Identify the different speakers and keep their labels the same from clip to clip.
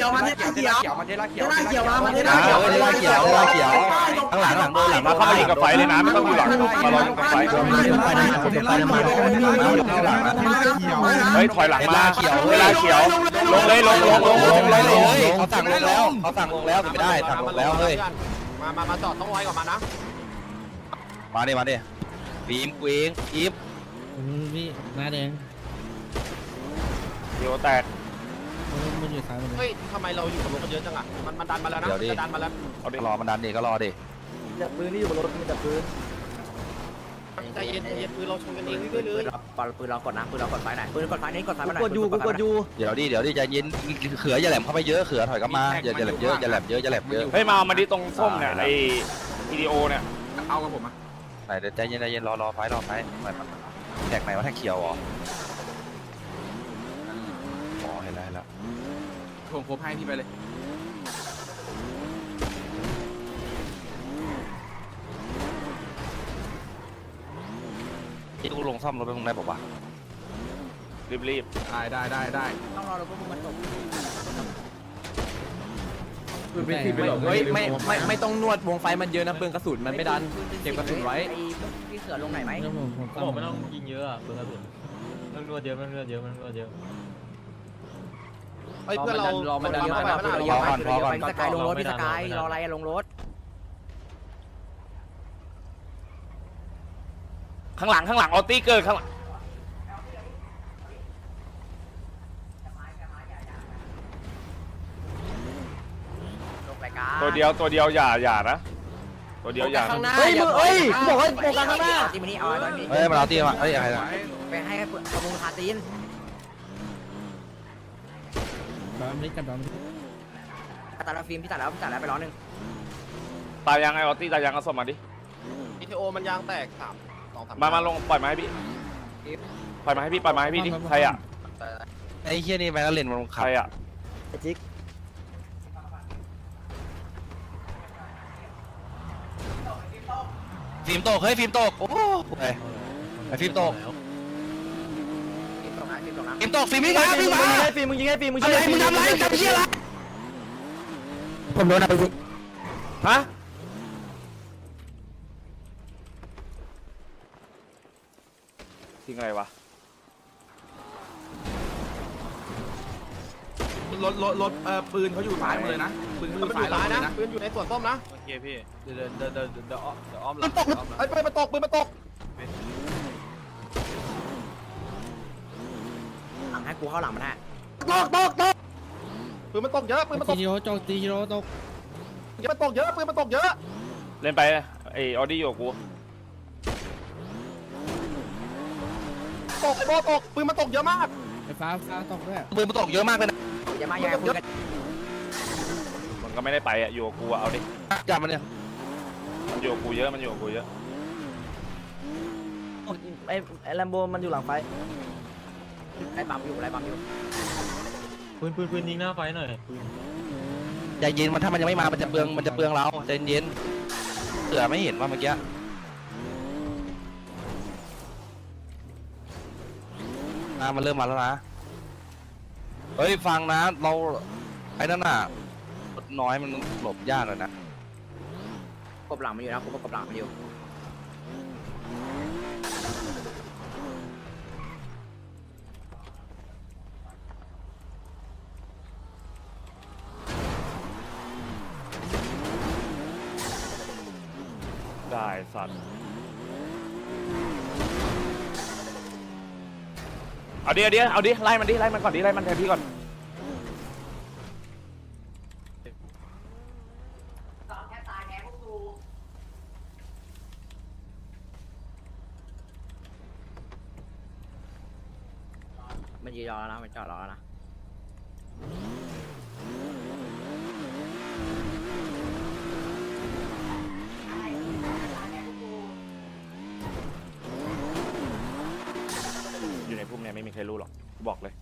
Speaker 1: ยวมาเทล่าเขียวมาเทล่าเขียวมาเทล่าเขียวมาเทล่าเขียว
Speaker 2: ข้างหลังโดนหลังมาเข้ามายิงกับไฟเลยนะไม่ต้องดูหลังมารอยิงกับไฟเฮ้ยถอยหลังมาเวลาเขียวลงเลยเขาสั่งลงแล้วไม่ได้สั่งลงแล้วเฮ้ย
Speaker 3: มาจอดต้องไว้ก่อนมานะ
Speaker 2: มาดิบีมกูเองอีฟ
Speaker 4: พี่หน้าแดง
Speaker 2: เดี๋ยวแตก
Speaker 4: มันอยู่ซ้ายมันเลย
Speaker 3: เฮ้ยทำไมเราอยู่กับรถกันเยอะจังอ่ะมันดันมาแล้วนะจะดันมาแล้ว
Speaker 2: เอาดิรอมันดันดิก็รอดิ
Speaker 1: จับปืนที่อยู่บนรถมีจับปืน
Speaker 3: ใจเย็นปืนเราชนกันเองด้วยเลย
Speaker 1: ปืนเรากดนะปืนเรากดไฟไหนปืนกดไฟนี้กดไฟมาไหน
Speaker 4: กดอยู่
Speaker 2: เดี๋ยวดิใจเย็นเขืออย่าแหลมเข้าไปเยอะเขือถอยกลับมาอย่าแหลมเยอะเฮ้ยมาดิตรงส้มเนี่ยไอวิดีโอเนี่ย
Speaker 3: เอากับผมอ่ะ
Speaker 2: ไหนเดี๋ยวใจเย็นรอไฟแท็กไหนวะแท็กเขียวเหรออ๋อเห็นแล้ว
Speaker 3: ผมโคบให้พี่ไปเลย
Speaker 2: ที่กูลงซ่อมรถไปตรงไหนบอกว่ารีบ
Speaker 3: ได้
Speaker 1: ต้องรอรถพวกมันตก
Speaker 3: เฮ้ยไม่ต้องนวดวงไฟมันเยอะนะปืนกระสุนมันไม่ดันเก็บกระสุนไว้
Speaker 1: พี่เสือลงไหนไหม
Speaker 4: ผมไม่ต้องยิงเยอะอ่ะเพื่อนมันนวดเยอะ
Speaker 3: เฮ้ยเพื่อนเรามันดันเข้าไป
Speaker 1: พี่สกายลงรถพี่สกายรออะไรลงรถ
Speaker 2: ข้างหลังออตี้เกิดข้างหลังตัวเดียวอย่านะตัวเดียวอย่า
Speaker 1: เฮ้ยบอกให้โฟกัสข้างหน้าตีมันนี่เอา
Speaker 2: เฮ้ยมาเอาตีมาเฮ้ยอะไรนะ
Speaker 1: ไปให้ประมูลคาตีนตัดแล้วฟิล์มพี่ตัดแล้วไปร้อนหนึ่ง
Speaker 2: ตายยังไงออตี้ตายยังเอาสมมาดิ
Speaker 3: พีทีโอมันยางแตก3-2-3
Speaker 2: มาลงปล่อยมาให้พี่ดิใครอ่ะไอ้เฮียนี่ไปแล้วเล่นมันใครอ่ะ
Speaker 1: ไอ้จิ๊ก
Speaker 2: ฟิล์มตกโอ้ไอ้ฟิล์มตกฟิล์มวิ่งมา
Speaker 1: ฟิล์มมึงยิงให้ฟิล์มมึงยิง
Speaker 2: อะไรมึงทำไรจับเชี่ยอะไร
Speaker 1: ผมโดนอะไรสิ
Speaker 2: ฮะทิ้งอะไรวะ
Speaker 3: รถปืนเขาอยู่ซ้ายมาเลยนะปืนอยู่ซ้ายนะปืนอยู่ในส่วนส้มนะ
Speaker 4: โอเคพี่เดี๋ยวอ้อมหลัง
Speaker 3: ไอ้ปืนมันตก
Speaker 1: ให้กูเข้าหลังมันฮะ
Speaker 3: ปืนมันตกเยอะ
Speaker 4: ตีโร่ตก
Speaker 3: ปืนมันตกเยอะ
Speaker 2: เล่นไปไอออดี้อยู่กู
Speaker 3: ตกปืนมันตกเยอะมาก
Speaker 4: ไฟฟ้าตกด้วย
Speaker 2: ปืนมันตกเยอะมากเลยนะ
Speaker 1: อย่ามาคุยกัน
Speaker 2: มันก็ไม่ได้ไปอ่ะอยู่กับกูเอาดิจับมันเนี่ยมันอยู่กับกูเยอะ
Speaker 1: ไอ้แลมโบมันอยู่หลังไฟไอ้ปั๊มอยู่
Speaker 4: ปืนยิงหน้าไฟหน่อย
Speaker 2: ใจเย็นมันถ้ามันยังไม่มามันจะเปลืองเราใจเย็นเสือไม่เห็นว่าเมื่อกี้มันเริ่มมาแล้วนะเฮ้ยฟังนะเราไอ้นั่นน่ะน้อยมันหลบยากเลยนะ
Speaker 1: กบหลังมันอยู่นะกบหลังมันอยู่
Speaker 2: ได้สัตว์เอาดิไล่มันก่อนไล่มันแทนพี่ก่อน
Speaker 1: มันยืนรอแล้วนะมันจอดรอแล้วนะ
Speaker 2: อยู่ในพุ่มเนี่ยไม่มีใครรู้หรอกบอกเลย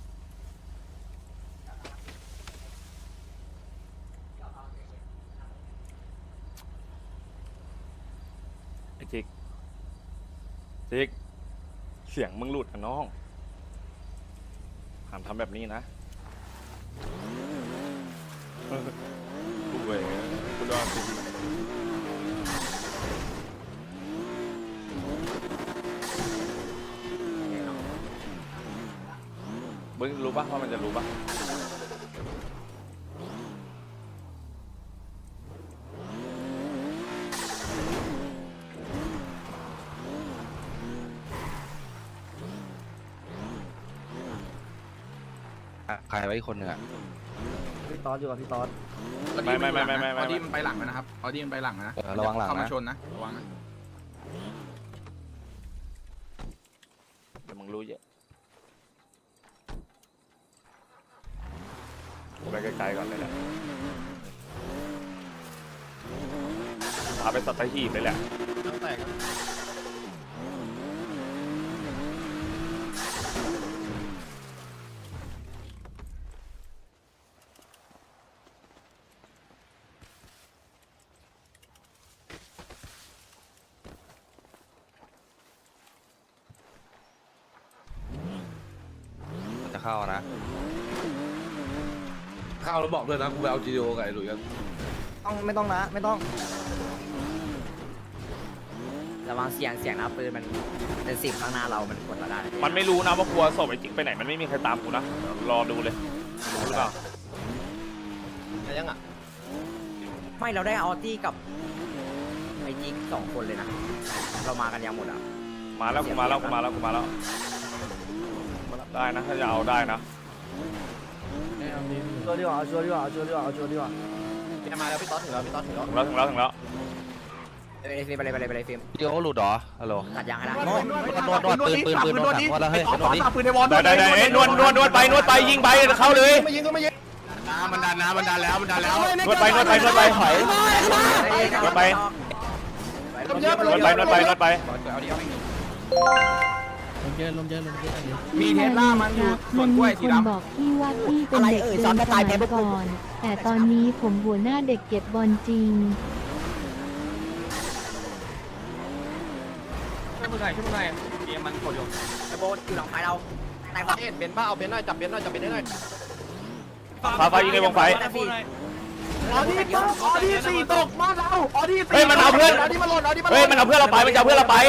Speaker 2: ไอ้จิ๊กเสียงมึงหลุดอ่ะน้องห้ามทำแบบนี้นะงรู้ปะว่ามันจะรู้ปะใครไว้อีกคนหนึ่งอะ
Speaker 1: พี่ตอสอยู่กับพี่ตอส
Speaker 2: ไม่
Speaker 5: ออดี้มันไปหลังนะครับออดี้มันไปหลังนะ
Speaker 2: ระวังหลัง
Speaker 5: เข้ามา
Speaker 2: นะ
Speaker 5: ชนนะระวังนะ
Speaker 2: เดี๋ยวมึงรู้เยอะไปไกลๆก่อนเลยแหละพาไปสัตหีบเลยแหละมันจะเข้านะ
Speaker 6: เข้าแล้วบอกด้วยนะกูไปเอาจีโอกับไอ้หลุยกัน
Speaker 1: ไม่ต้องนะไม่ต้อง
Speaker 3: ระวังเสียงนะปืนมันเป็นสิบข้างหน้าเรามันกดเราได้
Speaker 2: มันไม่รู้นะว่ากลัวศพไอ้จิ๊กไปไหนมันไม่มีใครตามกูนะรอดูเลยรู้หรือเปล่า
Speaker 3: ยังอ่ะไม่เราได้ออตี้กับไอ้จิ๊ก2 คนเลยนะเรามากันยังหมดอ่ะ
Speaker 2: มาแล้วกูมาแล้วได้นะถ้าจะเอาได้นะ
Speaker 1: ชัวร์ดีกว่าเอาชัวร์ดีกว่าเอาชัวร์ดีกว่าเอาชัวร์ดีกว่า
Speaker 3: พี่มาแล้วพี่ต๊อดถึงแล้ว
Speaker 2: ถึงแล้ว
Speaker 3: ไปเลยฟิล์ม
Speaker 2: เดี๋ยวหลุดเหรอฮัลโหล
Speaker 3: ตัดยางให้ได้
Speaker 2: นวดปืนนวดแล้วเฮ้ยนวดดิ
Speaker 5: ปืนในวอล
Speaker 2: ได้นวดไปยิงไปเข้าเลย
Speaker 5: ไม่ยิงก็ไม่ยิงมันดันแล้ว
Speaker 2: นวดไปถอยนวดไป
Speaker 5: มีเทสลามันอยู่ส่วนกล้วยสี
Speaker 7: คน
Speaker 5: ดำ
Speaker 7: บอกพี่ว่าพี่เป็นเด็กเดินสมัยก่อน แต่ตอนนี้ผมหัวหน้าเด็กเก็บบอลจริง
Speaker 4: ช่วยมึงหน่อยเกมมันกดอยู่
Speaker 3: ไอ้โบอยู่หลังไฟเราในประเทศเบนบ้าเอาเบนหน่อยจับเบนหน่อยได้หน่อย
Speaker 2: ไฟยิงในวงไฟ
Speaker 5: ออดี้สี่ตกมาเราออดี้สี่
Speaker 2: เฮ้ยมันเอาเพื่อน
Speaker 5: ออดี้มันหล่นออดี้มันห
Speaker 2: เฮ้
Speaker 5: ล่
Speaker 2: ย
Speaker 5: น
Speaker 2: มันเอาเพื่อนเราไปมันจะเอาเพื่อนเราไป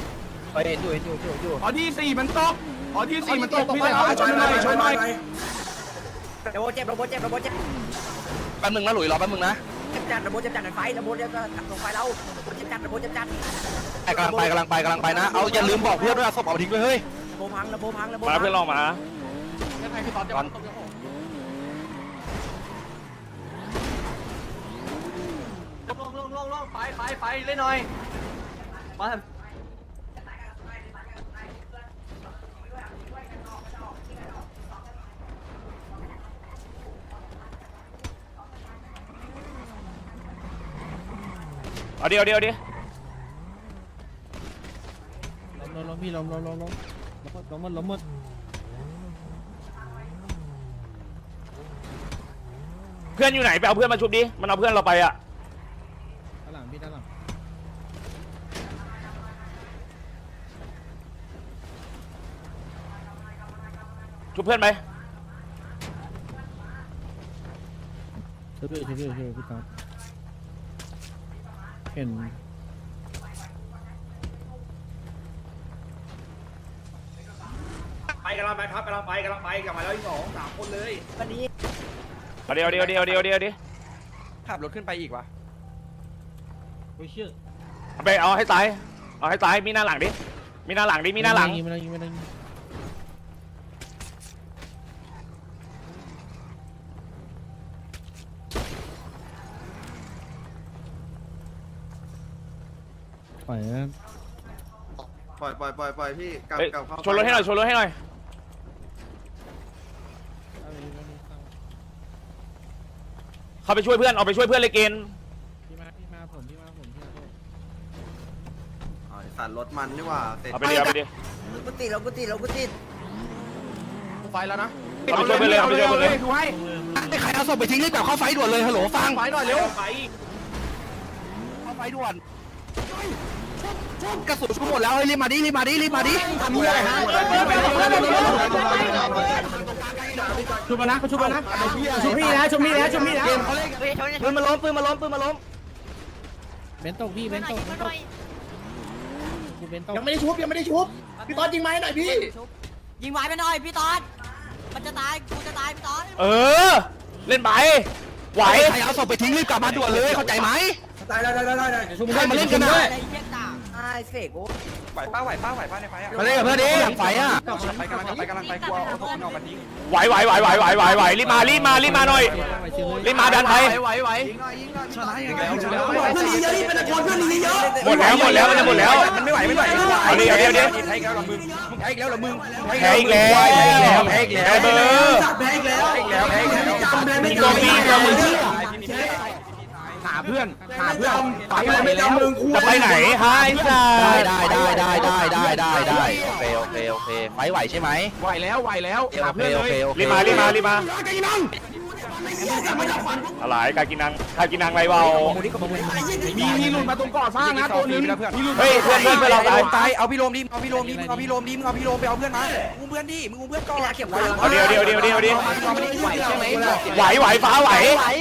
Speaker 5: ออดี้สี่มันตกออดี้สี่มันตกพี่เลยช่วยหน่อย
Speaker 3: ระโบเจ็บ
Speaker 2: แป๊บนึงนะหลุยรอแป๊บนึงนะ
Speaker 3: เจ็บจัดระโบเจ็บจัดในไฟระโบเจ็บจัดลงไฟเราเจ็บจัดระโบเจ็บจัด
Speaker 2: กำลังไปนะเอาอย่าลืมบอกเพื่อนด้วยศพเอาทิ้งด้วยเฮ้ย
Speaker 3: ระโบพังระโบ
Speaker 2: มาเพื่อนลองมา
Speaker 4: ลงไปเล่นหน่อยมา
Speaker 2: เอาเดียว
Speaker 8: ล้มพี่ล้มหมด
Speaker 2: เพื่อนอยู่ไหนไปเอาเพื่อนมาชุบดิมันเอาเพื่อนเราไปอ่ะ
Speaker 8: ด้านหลังพี่ด้านหลัง
Speaker 2: ชุบเพื่อนไป
Speaker 8: ช่วยพี่ครับเห็น
Speaker 5: ไปกำลังไปครับกำลังไปกลับมาแล้วอีก2-3 คนเลย
Speaker 3: วันนี้
Speaker 2: เอาเดียวดิ
Speaker 5: ขับรถขึ้นไปอีกวะ
Speaker 8: โอ้ยเชื่อ
Speaker 2: ไปเอาให้ตายมีหน้าหลังมีหน้าหลัง
Speaker 8: ไม่ได้ยิงปล่อยนะ
Speaker 5: ปล่อยพี่กลับเข้า
Speaker 2: ชนรถให้หน่อยเข้าไปช่วยเพื่อนเอาไปช่วยเพื่อนเลยเกณฑ์
Speaker 8: พี่มาผมพี่มาโทษ
Speaker 5: สั่นรถมันนี่ว่าเสร็จ
Speaker 2: เอาไปดิ
Speaker 3: กูติดไฟแล้วนะ
Speaker 2: เอาไปช่วยเพื่อนเลย
Speaker 5: ดูให้
Speaker 2: ใครเอาศพไปทิ้งรีบกลับเข้าไฟด่วนเลยฮัลโหลฟัง
Speaker 5: ไปหน่อยเร็ว
Speaker 2: เข้าไฟด่วนกระสุนชุบหมดแล้วรีบมาดิทำอะไรฮะ
Speaker 5: ชุบมานะชุบนะ
Speaker 1: ชุบพี่นะปืนมาล้ม
Speaker 8: เบนตกพี่เบนตก
Speaker 5: ยังไม่ได้ชุบพี่ต๊อดยิงไม้หน่อยพี่
Speaker 3: ยิงไว้ไปหน่อยพี่ต๊อดมันจะตายกูจะตายพี่ตอน
Speaker 2: เออเล่นไปไหวใครเอาศพไปทิ้งรีบกลับมาด่วนเลยเข้าใจไหมใครมาเล่นกันนะ
Speaker 3: อะไรเหี้ยต่างไอ้เสกโอ้
Speaker 4: ไหวป้าในไฟอ่ะ
Speaker 2: มาเล่นกับเพื่อนดิหลังไฟอ่ะ
Speaker 4: ไปกำลังไปกลัวเอาพวกมันออกมาทิ้ง
Speaker 2: ไหวรีบมาหน่อยรีบมาดันไปหมดแล้วมันจะหมดแล้ว
Speaker 4: มันไม่ไหว
Speaker 2: เอาดิ
Speaker 4: แพ้อีกแล้วหรอมึงแพ้อีกแล้วหรอมึง
Speaker 2: แพ้อีกแล้วเบอร์ตัวปีตัวมึงหาเพื่อนไปไปแล้วมึงจะไปไหนฮะไอ้สัสได้โอเคไปไหวใช่ไหมไหวแล้วหาเพื่อนเลยรีบมาอะไรกากินังอะไรเบามีหลุดมาตรงก่อสร้างนะตัวนึงเฮ้ยเพื่อนเราตาย
Speaker 4: เอาพี่โรมดิเอาพี่โรมไปเอาเพื่อนมามึงเพื่อนดิมึงเพื่อนก่อน
Speaker 2: เอาเดียวไหวฟ้าไหว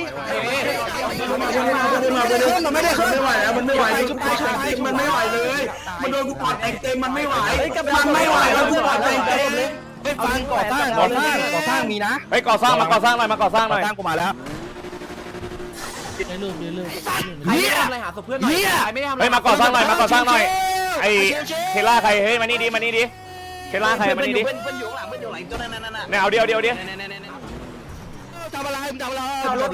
Speaker 5: มันไม่ได้ขึ้นไม่ไหวแล้วมันไม่ไหวมันไม่ไหวเลยมันโดนกูปอดแตกเต็มมันไม่ไหวแล้วกูปอดแตกเต็ม
Speaker 2: ฟังก่อสร้างมีนะไปก่อสร้างหน่อยก่อสร้างกูมาแล้ว
Speaker 8: ได้รูปได้รูป
Speaker 3: ใครไม่ทำอะไรหาศพเพื่อนหน่อยใครไม่ได้ทำอะไร
Speaker 2: เฮ้ยมาก่อสร้างหน่อยไอ้เทล่าใครเฮ้ยมานี่ดิเทล่าใครมานี่ดิ
Speaker 1: เพื่อนอยู่หลังตัวนั้น
Speaker 2: เนี่ยเอาเดียวทำอะไรเอารถ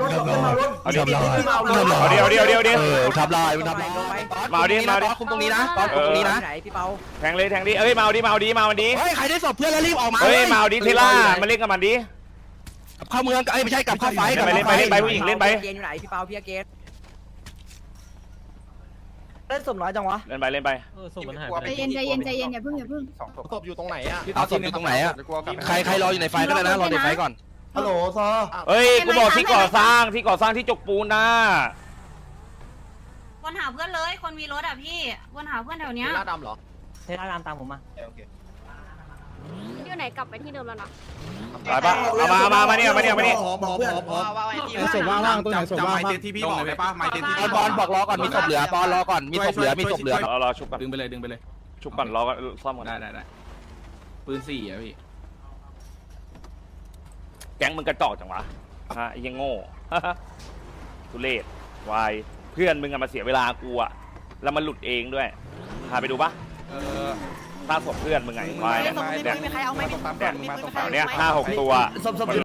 Speaker 2: ทำลายมาดิคุมตรงนี้นะคุมตรงนี้นะ
Speaker 3: ไหนพี่เปา
Speaker 2: แทงดิเอ้ยมาดิเฮ้ยใครได้ศพเพื่อนแล้วรีบออกมาเฮ้ยมาดิเทล่ามาเล่นกับมันดิกับเข้าเมืองไม่ใช่กับเข้าไฟไปผู้หญิงเล่นไป
Speaker 3: เกณฑ์อยู่ไหนพี่เปาพี่เกณฑ์
Speaker 1: เล่นสมน้อยจังวะ
Speaker 2: เล่นไป
Speaker 8: ส่งมันหาย
Speaker 7: ใจเย็นอย่าเพิ่ง
Speaker 4: ศพอยู่ตรงไหนอ่ะ
Speaker 2: เอาศพอยู่ตรงไหนอ่ะใครรออยู่ในไฟก็ได้นะรอในไฟก่อน
Speaker 5: ฮัลโหลซอ
Speaker 2: เฮ้ยกูบอกที่ก่อสร้างที่จกปูนนะ
Speaker 7: วนหาเพื่อนเลยคนมีรถอ่ะพี่วนหาเพื่อนแถวเนี้ย
Speaker 3: หน้าดำเหรอ
Speaker 1: เทล่ารามตามผมมา
Speaker 7: อยู่ไหนกลับไปที่เดิมแล้วนะ
Speaker 2: ไปปะเอามาเนี่ย
Speaker 5: พอส่งว่างๆตัวไหนส่งว่างๆ
Speaker 4: ที่พี่บอกเลยป่ะไม่ที่
Speaker 2: บอลบอกรอก่อนมีศพเหลือบอลรอก่อนมีศพเหลือรอชุบก่อน
Speaker 6: ดึงไปเลย
Speaker 2: ชุบก่อนรอก่อนซ่อมก่อน
Speaker 6: ได้ปืน4อ่ะพี่
Speaker 2: แก๊งมึงกระจอกจังวะฮะยังโง่ทุเรศวายเพื่อนมึงอะมาเสียเวลากูอะแล้วมันหลุดเองด้วยพาไปดูปะสร้างศพเพื่อนมึงไงวายเนี่ย
Speaker 3: มีใครเอาไหม
Speaker 2: เนี่ย5-6 ตัว